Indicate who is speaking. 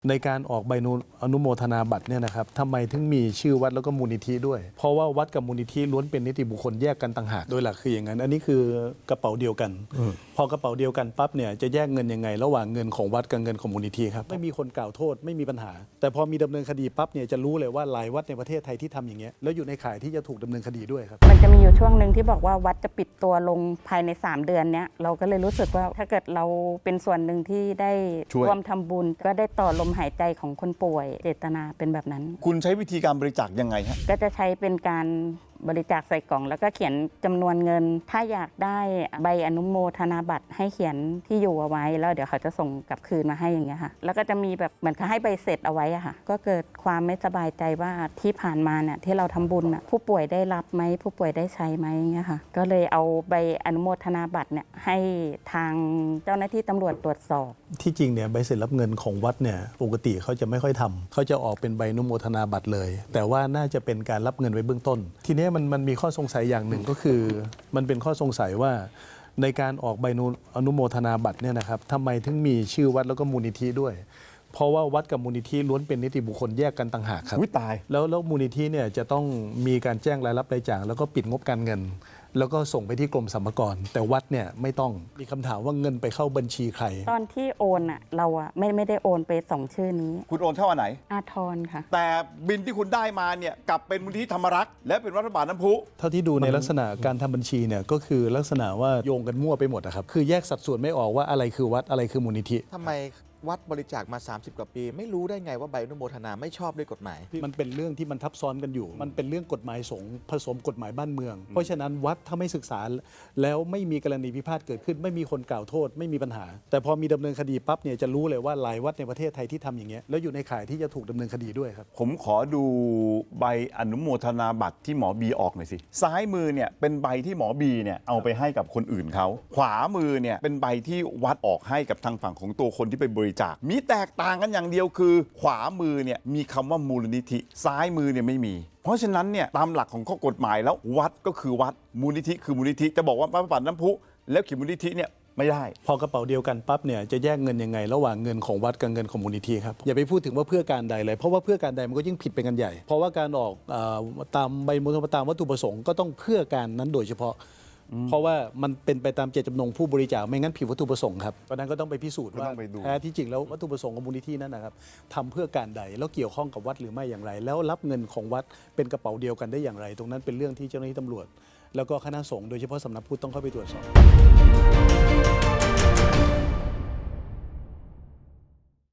Speaker 1: ในการออกใบอนุโมทนาบัตรเนี่ยนะครับทำไมถึงมีชื่อวัดแล้วก็มูลนิธิด้วยเพราะว่าวัดกับมูลนิธิล้วนเป็นนิติบุคคลแยกกันต่างหากโดยหลักคืออย่างนั้นอันนี้คือกระเป๋าเดียวกันพอกระเป๋าเดียวกันปั๊บเนี่ยจะแยกเงินยังไงระหว่างเงินของวัดกับเงินของมูลนิธิครับไม่มีคนกล่าวโทษไม่มีปัญหาแต่พอมีดำเนินคดีปั๊บเนี่ยจะรู้เลยว่าหลายวัดในประเทศไทยที่ทำอย่างเงี้ยแล้วอยู่ในข่ายที่จะถูกดำเนินคดีด้วยครับ
Speaker 2: มันจะมีอยู่ช่วงหนึ่งที่บอกว่าวัดจะปิดตัวลงภายใน3 เดือนเนี้ยเราก็เลยรู้สึกว่าถ้าเกิดเราเป็นส่วนหนึ่งที่ได้ร่วมทำบุญก็ได้ต่อลมหายใจของคนป่วยเจตนาเป็นแบบนั้น
Speaker 3: คุณใช้วิธีการบริจาคยังไงฮะ
Speaker 2: ก็จะใช้เป็นการบริจาคใส่กล่องแล้วก็เขียนจำนวนเงินถ้าอยากได้ใบอนุโมทนาบัตรให้เขียนที่อยู่เอาไว้แล้วเดี๋ยวเขาจะส่งกลับคืนมาให้อย่างเงี้ยค่ะแล้วก็จะมีแบบเหมือนเขาให้ใบเสร็จเอาไว้อะค่ะก็เกิดความไม่สบายใจว่าที่ผ่านมาเนี่ยที่เราทำบุญผู้ป่วยได้รับไหมผู้ป่วยได้ใช้ไหมอย่างเงี้ยค่ะก็เลยเอาใบอนุโมทนาบัตรเนี่ยให้ทางเจ้าหน้าที่ตำรวจตรวจสอบ
Speaker 1: ที่จริงเนี่ยใบเสร็จรับเงินของวัดเนี่ยปกติเขาจะไม่ค่อยทำเขาจะออกเป็นใบอนุโมทนาบัตรเลยแต่ว่าน่าจะเป็นการรับเงินไว้เบื้องต้นทีนี้มันมีข้อสงสัยอย่างหนึ่งก็คือมันเป็นข้อสงสัยว่าในการออกใบอนุโมทนาบัตรเนี่ยนะครับทำไมถึงมีชื่อวัดแล้วก็มูลนิธิด้วยเพราะว่าวัดกับมูลนิธิล้วนเป็นนิติบุคคลแยกกันต่างหากครับ
Speaker 3: ตาย
Speaker 1: แล้วมูลนิธิเนี่ยจะต้องมีการแจ้งรายรับรายจ่ายแล้วก็ปิดงบการเงินแล้วก็ส่งไปที่กรมสรรพากรแต่วัดเนี่ยไม่ต้องมีคำถามว่าเงินไปเข้าบัญชีใคร
Speaker 2: ตอนที่โอนเราไม่ได้โอนไป2 ชื่อนี้
Speaker 3: คุณโอนเข้าอันไหน
Speaker 2: อาทรค่ะ
Speaker 3: แต่บินที่คุณได้มาเนี่ยกลับเป็นมูลนิธิธรรมรักษ์และเป็นวัดพระบาทน้ำพุ
Speaker 1: เท่าที่ดูในลักษณะการทำบัญชีเนี่ยก็คือลักษณะว่าโยงกันมั่วไปหมดนะครับคือแยกสัดส่วนไม่ออกว่าอะไรคือวัดอะไรคือมูลนิธิ
Speaker 4: ทำไมวัดบริจาคมา30 กว่าปีไม่รู้ได้ไงว่าใบอนุโมทนาไม่ชอบด้วยกฎหมาย
Speaker 1: มันเป็นเรื่องที่มันทับซ้อนกันอยู่มันเป็นเรื่องกฎหมายสงฆ์ผสมกฎหมายบ้านเมืองเพราะฉะนั้นวัดถ้าไม่ศึกษาแล้วไม่มีกรณีพิพาทเกิดขึ้นไม่มีคนกล่าวโทษไม่มีปัญหาแต่พอมีดำเนินคดีปั๊บเนี่ยจะรู้เลยว่าหลายวัดในประเทศไทยที่ทำอย่างเงี้ยแล้วอยู่ในข่ายที่จะถูกดำเนินคดีด้วยครับ
Speaker 3: ผมขอดูใบอนุโมทนาบัตรที่หมอบีออกหน่อยสิซ้ายมือเนี่ยเป็นใบที่หมอบีเนี่ยเอาไปให้กับคนอื่นเขาขวามือเนี่ยเป็นใบที่วัดออกให้กับทางฝั่งของตัวคนที่ไปบริจาคมีแตกต่างกันอย่างเดียวคือขวามือเนี่ยมีคำว่ามูลนิธิซ้ายมือเนี่ยไม่มีเพราะฉะนั้นเนี่ยตามหลักของข้อกฎหมายแล้ววัดก็คือวัดมูลนิธิคือมูลนิธิจะบอกว่าพระบาทน้ำพุแล้วเขียนมูลนิธิเนี่ยไม่ได้
Speaker 1: พอกระเป๋าเดียวกันปั๊บเนี่ยจะแยกเงินยังไงระหว่างเงินของวัดกับเงินของมูลนิธิครับอย่าไปพูดถึงว่าเพื่อการใดเลยเพราะว่าเพื่อการใดมันก็ยิ่งผิดไปกันใหญ่เพราะว่าการออกตามใบมูลตามวัตถุประสงค์ก็ต้องเพื่อการนั้นโดยเฉพาะเพราะว่ามันเป็นไปตามเจตจำนงผู้บริจาคไม่งั้นผิดวัตถุประสงค์ครับเพราะนั้นก็ต้องไปพิสูจน์ว่าแท้ที่จริงแล้ววัตถุประสงค์ของมูลนิธินั้นนะครับทำเพื่อการใดแล้วเกี่ยวข้องกับวัดหรือไม่อย่างไรแล้วรับเงินของวัดเป็นกระเป๋าเดียวกันได้อย่างไรตรงนั้นเป็นเรื่องที่เจ้าหน้าที่ตำรวจแล้วก็คณะสงฆ์โดยเฉพาะสำนักพุทธต้องเข้าไปตรวจสอบ